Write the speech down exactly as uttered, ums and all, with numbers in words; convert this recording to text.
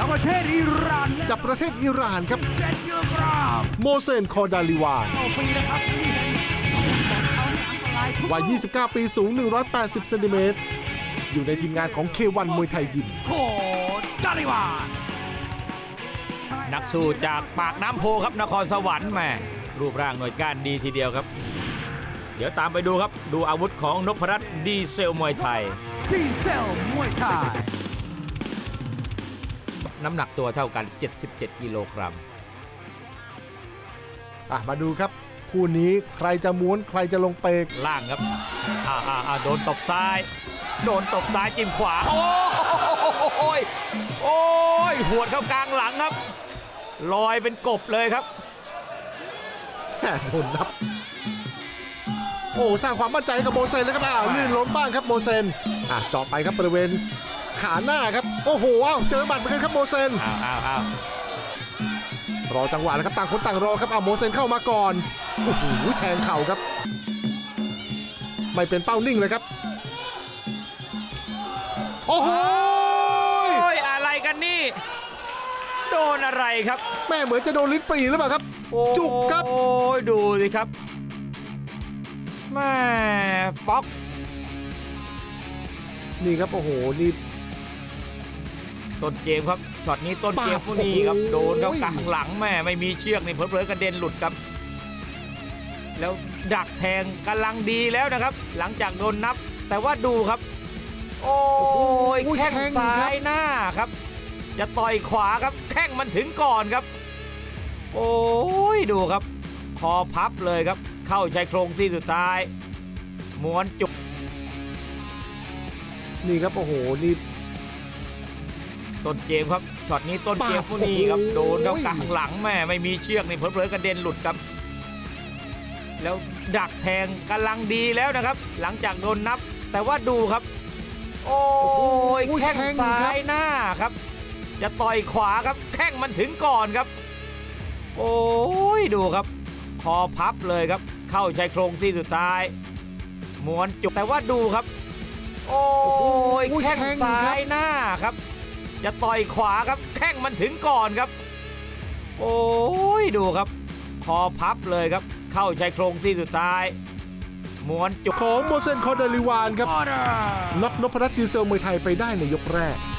จากประเทศอิหร่านจากประเทศอิหร่านครับเจ็ดกิโลกรัมโมเซน คอดาลิวานต่อปีนะครับนี่เห็นเขาเนี่ยอันตรายทุกวัย ยี่สิบเก้า ปีสูง หนึ่งร้อยแปดสิบ เซนติเมตร อยู่ในทีมงานของ เค วัน มวยไทยยิมโคดาลิวานนักสู้จากปากน้ำโพครับนครสวรรค์แหม่รูปร่างหน่วยก้านดีทีเดียวครับ เดี๋ยวตามไปดูครับดูอาวุธของนพรัตน์ดีเซลมวยไทยดีเซลมวยไทยน้ำหนักตัวเท่ากันเจ็ดสิบเจ็ดกิโลกรัมอ่ะมาดูครับ คู่นี้ใครจะม้วนใครจะลงเปกล่างครับอ่าอ่าอ่าโดนตบซ้าย โดนตบซ้ายจิ้มขวา โอ้ยโอ้ยหวดเข้ากลางหลังครับลอยเป็นกบเลยครับแหม่โดนนับ โอ้สร้างความมั่นใจกับโมเซนเลยครับอ้าวลื่นล้มบ้างครับโมเซนอ่ะเจาะไปครับบริเวณขาหน้าครับโอ้โหอ้าวเจอหมัดเหมือนกันครับโมเซนอ้าวอ้าวอ้าวรอจังหวะแล้วครับต่างคนต่างรอครับอ้าวโมเซนเข้ามาก่อนโอ้โหแทงเข่าครับไม่เป็นเป้านิ่งเลยครับโอ้โหโอ้ยอะไรกันนี่โดนอะไรครับแม่เหมือนจะโดนลิ้นปี่หรือเปล่าครับจุกครับโอ้ยดูสิครับแม่ป๊อกนี่ครับโอ้โหนี่ต้นเกมครับช็อตนี้ต้นเกมปาดพวกนี้ครับโอ้โหโดนเข้ากลางหลังแม่ไม่มีเชือกนี่เผลอๆกระเด็นหลุดครับ แล้วดักแทงกำลังดีแล้วนะครับ หลังจากโดนนับ แต่ว่าดูครับ โอ้ยแข้งซ้ายหน้าครับ จะต่อยขวาครับแข้งมันถึงก่อนครับ โอ้ยดูครับคอพับเลยครับ เข้าชายโครงซี่สุดท้ายม้วนจุกนี่ครับโอ้โหนี่ต้นเกมครับช็อตนี้ต้นเกมพวกนี้ครับโอ้โหโดนเข้ากลางหลังแม่ไม่มีเชือกนี่เผลอๆกระเด็นหลุดครับ แล้วดักแทงกำลังดีแล้วนะครับ หลังจากโดนนับ แต่ว่าดูครับ โอ้ยแข้งซ้ายหน้าครับ จะต่อยขวาครับแข้งมันถึงก่อนครับ โอ้ยดูครับคอพับเลยครับ เข้าชายโครงซี่สุดท้ายม้วนจุกแต่ว่าดูครับ โอ้ยแข้งซ้ายหน้าครับ จะต่อยขวาครับแข้งมันถึงก่อนครับ โอ้ยดูครับคอพับเลยครับ เข้าชายโครงซี่สุดท้ายม้วนจุกของโมเซน คอดาลิวานครับออเดอร์น็อกนพรัตน์ดีเซลมวยไทยไปได้ในยกแรก